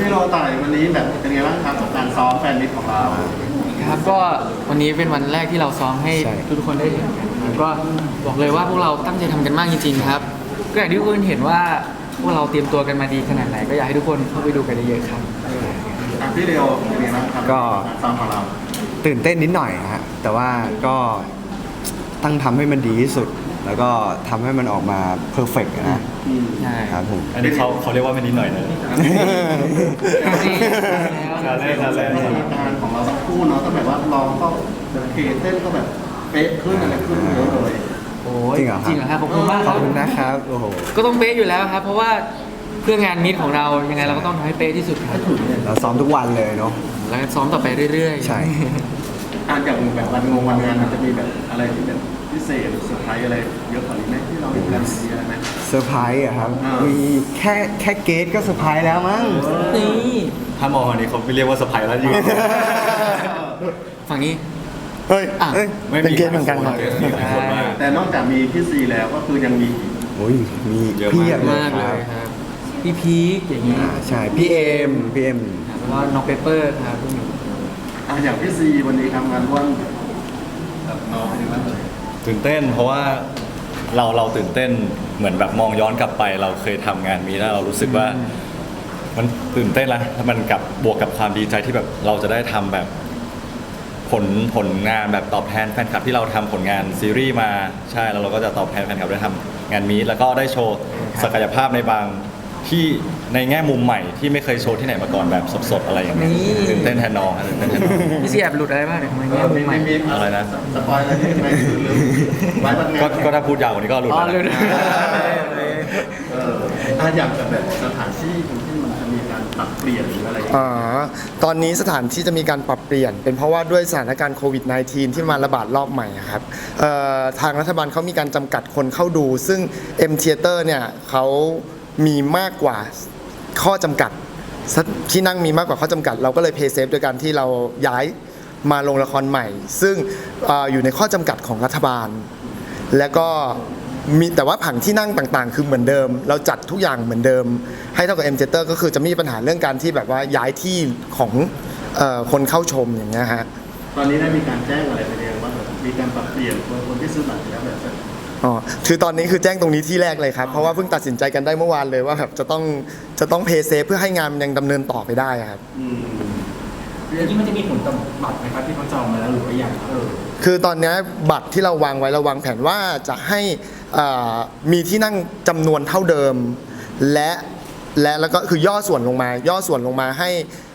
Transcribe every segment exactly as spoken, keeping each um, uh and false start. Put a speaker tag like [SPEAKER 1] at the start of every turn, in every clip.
[SPEAKER 1] พี่โรต่อยวันนี้แบบเป็นไงบ้างครับกับการซ้อมแฟนมิตรของเรา
[SPEAKER 2] ครับก็วันนี้เป็นวันแรกที่เราซ้อมให้ทุกคนได้เห็นกันแล้วก็บอกเลยว่าพวกเราตั้งใจทำกันมากจริงๆครับก็อย่างที่ทุกคนเห็นว่าพวกเราเตรียมตัวกันมาดีขนาดไหนก็อยากให้ทุกคนเข้าไปดูกันเยอะๆครับ
[SPEAKER 1] พี่เรียวเป็นไงบ้างครับก็ซ้อมของเรา
[SPEAKER 3] ตื่นเต้นนิดหน่อยฮะแต่ว่าก็ตั้งทำให้มันดีที่สุดแล้วก็ทำให้มันออกมาเพอร์เฟกต์นะ
[SPEAKER 2] ใช่
[SPEAKER 3] ครับผม
[SPEAKER 4] อันนี้เขาเขาเรียกว่าไม่นิดหน่อยนะ
[SPEAKER 2] แล้ว
[SPEAKER 4] แล้วแล้วแล้ว
[SPEAKER 1] การของเราสักคู่เนาะก็แบบว่าร้องก็เคเต้นก็แบบเป๊ะขึ้นอะไรขึ้นเยอะเลย
[SPEAKER 2] โอ้ยจริงเหรอจริงเหรอครับขอบคุณมาก
[SPEAKER 3] ขอบคุณนะครับโอ้โห
[SPEAKER 2] ก็ต้องเป๊ะอยู่แล้วครับเพราะว่าเพื่องานมิตของเรายังไงเราก็ต้องทำให้เป๊ะที่สุดครับ
[SPEAKER 3] เราซ้อมทุกวันเลยเนาะ
[SPEAKER 2] แล้วซ้อมต่อไปเรื่อย
[SPEAKER 3] ๆใช่
[SPEAKER 1] อ่านอย่างแบบวันงงวันงานมันจะมีแบบอะไรที่แบบพิเศษเซอร์ไพรส์อะไรเยอะกว่านี้ไหมที่เราเห็นกันมีอะไรไหม
[SPEAKER 3] เซอร์ไพรส์อะครับมีแค่แค่เกตก็เซอร์ไพรส์แล้วมั้ง
[SPEAKER 2] นี่
[SPEAKER 4] ถ้ามองอันนี้เขาไม่เรียกว่าเซอร์ไพรส์แล้วยืน
[SPEAKER 2] ฝั่งนี้
[SPEAKER 3] เฮ้ยเป็นเกตเหมือนกันครับ
[SPEAKER 1] แต่นอกจากมีพี่ซีแล้วก็คือยังมี
[SPEAKER 3] โอ้ยมี
[SPEAKER 2] เพียบมากเลยครับพี่พีคอย่างนี้
[SPEAKER 3] ใช่พี่เอ็มพี่เอ็ม
[SPEAKER 2] แล้วก็น้องเปเปอร์ครับพวกนี้
[SPEAKER 1] อ่ะอย่างพี่ซีวันนี้ทำงานร่วมกับน้องเป็นยังไงบ้าง
[SPEAKER 4] ตื่นเต้นเพราะว่าเราเราตื่นเต้นเหมือนแบบมองย้อนกลับไปเราเคยทำงานมีแล้วเรารู้สึกว่ามันตื่นเต้นละมันกับบวกกับความดีใจที่แบบเราจะได้ทำแบบผลผลงานแบบตอบแทนแฟนคลับที่เราทำผลงานซีรีส์มาใช่แล้วเราก็จะตอบแทนแฟนคลับได้ทำงานมีแล้วก็ได้โชว์ศักยภาพในบางที่ในแง่มุมใหม่ที่ไม่เคยโชว์ที่ไหนมาก่อนแบบสดๆอะไรอย่างเงี้ยตื่นเต้นแทนน้องตื่นเต้นแทนน้อง
[SPEAKER 2] พี่ซีแอบหลุดอะไรบ้างเนี่ยทำไมแง่มุมใหม่
[SPEAKER 4] อะไรนะ
[SPEAKER 1] สปอยอะไรที่ไม่คือลืม
[SPEAKER 4] ก็ก็ถ้าพูดยาวกว่านี้ก็หลุดแล้ว
[SPEAKER 1] เออถ้าอยากแบบสถานที่ที่มันจะมีการปรับเปลี่ยนหรืออะไร
[SPEAKER 5] อ๋อตอนนี้สถานที่จะมีการปรับเปลี่ยนเป็นเพราะว่าด้วยสถานการณ์โควิด สิบเก้า ที่มาระบาดรอบใหม่ครับทางรัฐบาลเขามีการจำกัดคนเข้าดูซึ่ง M Theater เนี่ยเขามีมากกว่าข้อจำกัดที่นั่งมีมากกว่าข้อจำกัดเราก็เลยเพย์เซฟโดยการที่เราย้ายมาลงละครใหม่ซึ่ง อ, อยู่ในข้อจำกัดของรัฐบาลและก็มีแต่ว่าผังที่นั่งต่างๆคือเหมือนเดิมเราจัดทุกอย่างเหมือนเดิมให้เท่ากับ M Theater ก็คือจะไม่มีปัญหาเรื่องการที่แบบว่าย้ายที่ของเอ่อคนเข้าชมอย่างเงี้ยฮะ
[SPEAKER 1] ตอนนี้ได้มีการแจ้งอะไรไปเรียงว่ามีการปรับเปลี่ยนคนที่ซื้อบัตรแล้วแบบ
[SPEAKER 5] อ๋อคือตอนนี้คือแจ้งตรงนี้ที่แรกเลยครับเพราะว่าเพิ่งตัดสินใจกันได้เมื่อวานเลยว่าแบบจะต้องจะต้องเพย์เซฟเพื่อให้งานยังดำเนินต่อไปได้ครับ
[SPEAKER 2] แล้วที่มันจะมีผลต่อบัตรไหมครับที่เขาจองมาแล้วหรือว่าอย่างเออ
[SPEAKER 5] คือตอนนี้บัตรที่เราวางไว้เราวางแผนว่าจะให้มีที่นั่งจำนวนเท่าเดิมและและแล้วก็คือย่อส่วนลงมาย่อส่วนลงมาให้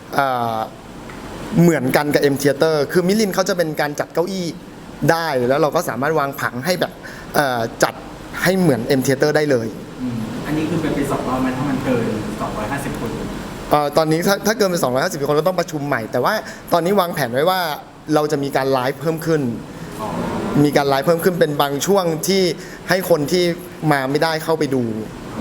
[SPEAKER 5] เหมือนกันกับ M Theater คือมิลินเขาจะเป็นการจัดเก้าอี้ได้แล้วเราก็สามารถวางผังให้แบบจัดให้เหมือน M Theater ได้เลย
[SPEAKER 2] อันนี้คือเป็นไปสองรอบไหมถ้ามันเกินสองร้อยห้าสิบคน
[SPEAKER 5] ตอนนี้ถ้าถ้าเกินไปสองร้อยห้าสิบคนก็ต้องประชุมใหม่แต่ว่าตอนนี้วางแผนไว้ว่าเราจะมีการไลฟ์เพิ่มขึ้นมีการไลฟ์เพิ่มขึ้นเป็นบางช่วงที่ให้คนที่มาไม่ได้เข้าไปดู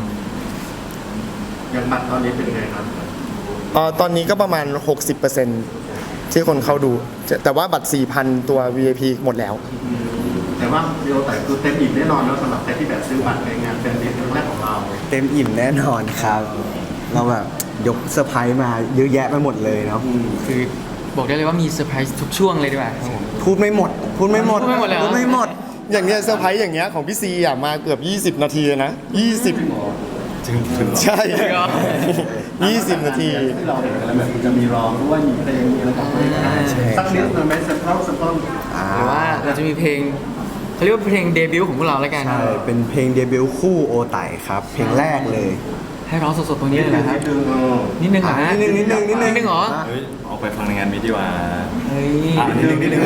[SPEAKER 1] ยังบัตรตอนนี้เป็นไงครับ
[SPEAKER 5] ตอนนี้ก็ประมาณ หกสิบเปอร์เซ็นต์ ที่คนเข้าดูแต่ว่าบัตร สี่พัน ตัว วี ไอ พี หมดแล้ว
[SPEAKER 1] แต่ว่าเดียวแต่คือเต็มอิ่มแน่นอนแล้วสำหรับใครที่แบบซื้อบัตรในงานแฟนมิตครั้งแรกของเรา
[SPEAKER 3] เต็มอิ่มแน่นอนครับเราแบบยกเซอร์ไพรส์มาเยอะแยะไปหมดเลยเนาะ
[SPEAKER 2] คือบอกได้เลยว่ามีเซอร์ไพรส์ทุกช่วงเลยดีกว่า
[SPEAKER 3] พูดไม่หมดพูดไม่หมด
[SPEAKER 2] พูดไม่หมดเลย
[SPEAKER 5] พูดไม่หมดอย่างเงี้ยเซอร์ไพรส์อย่างเงี้ยของพี่ซีอ่ะมาเกือบยี่สิบนาทีนะยี่สิบ
[SPEAKER 4] ถึงถึง
[SPEAKER 5] ใช่ยี่สิบนาที
[SPEAKER 1] ที่เราเห็นกันแบบจะมีร้องด้วยมีเพลงมีอะไรต่างๆสักนิดหนึ่งไหมสักท่อนสักท่อน
[SPEAKER 2] หรือว่าเราจะมีเพลงเขาเรียกว่าเพลงเดบิวต์ของพวกเราแล้วกัน
[SPEAKER 3] ใช่เป็นเพลงเดบิวต์คู่โอไต่ครับเพลงแรกเลย
[SPEAKER 2] ให้ร้องสดๆตรงนี้เลยนะครับนิดนึงเหรอ
[SPEAKER 3] นิดนึงนิดนึงนิดนึง
[SPEAKER 2] นิดนึงเหรอ
[SPEAKER 4] ออกไปฟังในงานมิดีว่า
[SPEAKER 2] เฮ้ย
[SPEAKER 4] นิดนึงนิดนึง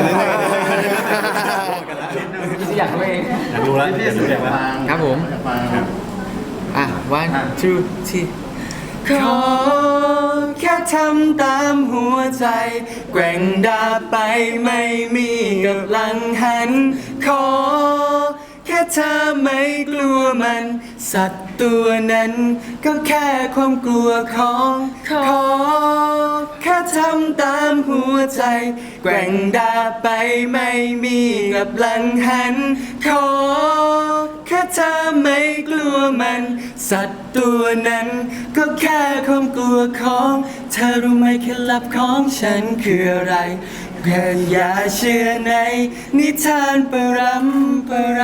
[SPEAKER 2] อยากรู้เอง
[SPEAKER 4] อยากรู้แล้วอยากรู้อย่าง
[SPEAKER 2] ว่าครับผมอ่ะ one two three ขอแค่ทำตามหัวใจแกว่งดาบไปไม่มีกับหลังหันขอแค่เธอไม่กลัวมันสัตว์ตัวนั้นก็แค่ความกลัวของขอแค่ทำตามหัวใจแกว่งดาบไปไม่มีกับหลังหันขอแค่เธอไม่กลัวมัน สัตว์ตัวนั้น ก็แค่ความกลัวของเธอรู้ไหมเคล็ดลับของฉันคืออะไรแค่อย่าเชื่อในนิทานปรำปรา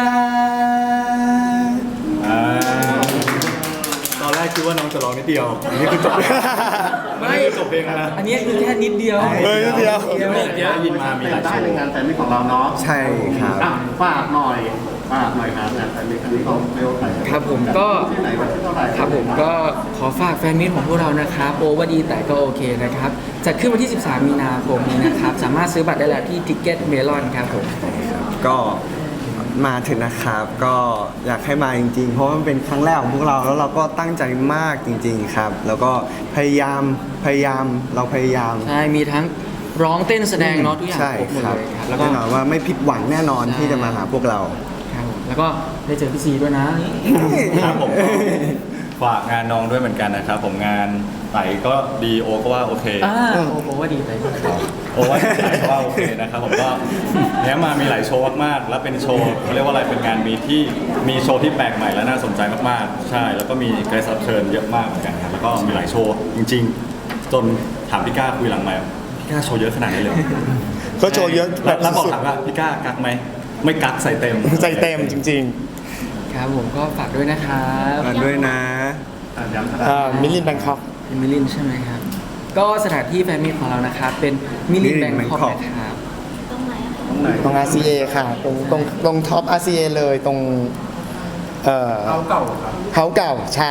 [SPEAKER 4] อ่า
[SPEAKER 2] ตอนแรกคิดว่าน้องจะร้องนิดเดียวอันนี้คือจบไม่
[SPEAKER 4] จบเพลงแล้วนะ
[SPEAKER 2] อันนี้คือแค่นิดเดียว
[SPEAKER 5] เฮ้ยนิดเดียว
[SPEAKER 2] เดียว
[SPEAKER 4] เดี๋ยวได้ยินมามีหลายโช
[SPEAKER 1] ได้
[SPEAKER 4] ว์
[SPEAKER 1] ในงานแฟนมิตของเราเนาะ
[SPEAKER 3] ใช่ครับ
[SPEAKER 1] อ่ะฝากหน่อยฝากหน่อยครับงานแฟนมิตครั้งนี้ของเบลไทย
[SPEAKER 2] ครับผมก็
[SPEAKER 1] ที่ไหนวันที่เท่าไหร่
[SPEAKER 2] ครับผมก็ขอฝากแฟนมิตรของพวกเรานะครับโอว่าดีแต่ก็โอเคนะครับจัดขึ้นวันที่ สิบสาม มีนาคมนี้นะครับ สามารถซื้อบัตรได้แล้วที่ Ticket Melon ครับผม
[SPEAKER 3] ก็มาถึงนะครับ ก็อยากให้มาจริงๆ เพราะว่ามันเป็นครั้งแรกของพวกเราแล้วเราก็ตั้งใจมากจริง ๆครับ แล้วก็พยายามพยายามเราพยายาม
[SPEAKER 2] ใช่ มีทั้งร้องเต้นแสดงเนาะทุกอย่าง
[SPEAKER 3] ใช่
[SPEAKER 2] ครบหมด
[SPEAKER 3] ครับ
[SPEAKER 2] เลยครับแล้วก็
[SPEAKER 3] แน่นอนว่าไม่ผิดหวังแน่นอน
[SPEAKER 2] ใช่
[SPEAKER 3] ที่จะมาหาพวกเรา
[SPEAKER 2] ครับผมแล้วก็ได้เจอพี่ซีด้วยนะ
[SPEAKER 4] ครับผมก็ฝากงานน้องด้วยเหมือนกันนะครับ ผมงานไต่ก็ดีโอก็ว่าโอเค
[SPEAKER 2] อ่าโอโอว่าดีแต่ก็ครับ
[SPEAKER 4] โอ้ว่าไต่ก็ว่าโอเคนะครับผมก็เนี้ยมามีหลายโชว์มากๆ แล้วเป็นโชว์เขาเรียกว่าอะไรเป็นงานมีที่มีโชว์ที่แปลกใหม่และน่าสนใจมากๆ ใช่ แล้วก็มีเกรซรับเชิญเยอะมากเหมือนกันครับแล้วก็มีหลายโชว์จริง ๆ จนถามพี่ก้าคุยหลังไมค์พี่ก้าโชว์เยอะขนาดนี้เลยเหรอ
[SPEAKER 5] ก็โชว์เยอะแบ
[SPEAKER 4] แล้ว
[SPEAKER 5] บ
[SPEAKER 4] แล้วบอก
[SPEAKER 5] สุด
[SPEAKER 4] ถามว่าพี่ก้ากักไหมไม่กักใส่เต็ม
[SPEAKER 5] ๆใจเต็มจริง
[SPEAKER 2] ครับผมก็ฝากด้วยนะครับ
[SPEAKER 3] มาด้วยนะ
[SPEAKER 1] อ่ะย้ำส
[SPEAKER 5] ๆ
[SPEAKER 1] ถาน
[SPEAKER 5] อ่ามิลลินแบงคอก
[SPEAKER 2] เป็นมิลินใช่ไหมครับ ก็สถานที่แฟนมิตรของเรานะครับ เป็นมิลิน
[SPEAKER 3] Milin
[SPEAKER 2] แบงคอก
[SPEAKER 3] Bangkok
[SPEAKER 2] นะครับ
[SPEAKER 1] ตรงไหน
[SPEAKER 5] ตรง อาร์ ซี เอ ค่ะ ตรงตรงตรงท็อป อาร์ ซี เอ เลยตรงเอ่อ
[SPEAKER 1] เขาเก่าครับ
[SPEAKER 5] เฮาเก่าใช่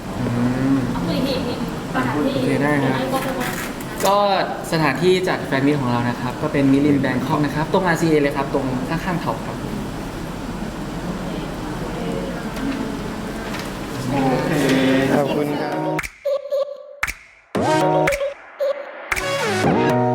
[SPEAKER 2] โอเคได้ครับ ก็สถานที่จัดแฟนมิตรของเรานะครับ ก็เป็นมิลินแบงคอกนะครับ ตรง อาร์ ซี เอ เลยครับ ตรงข้างๆเขาครับ
[SPEAKER 1] โอเค
[SPEAKER 5] ขอบคุณครับ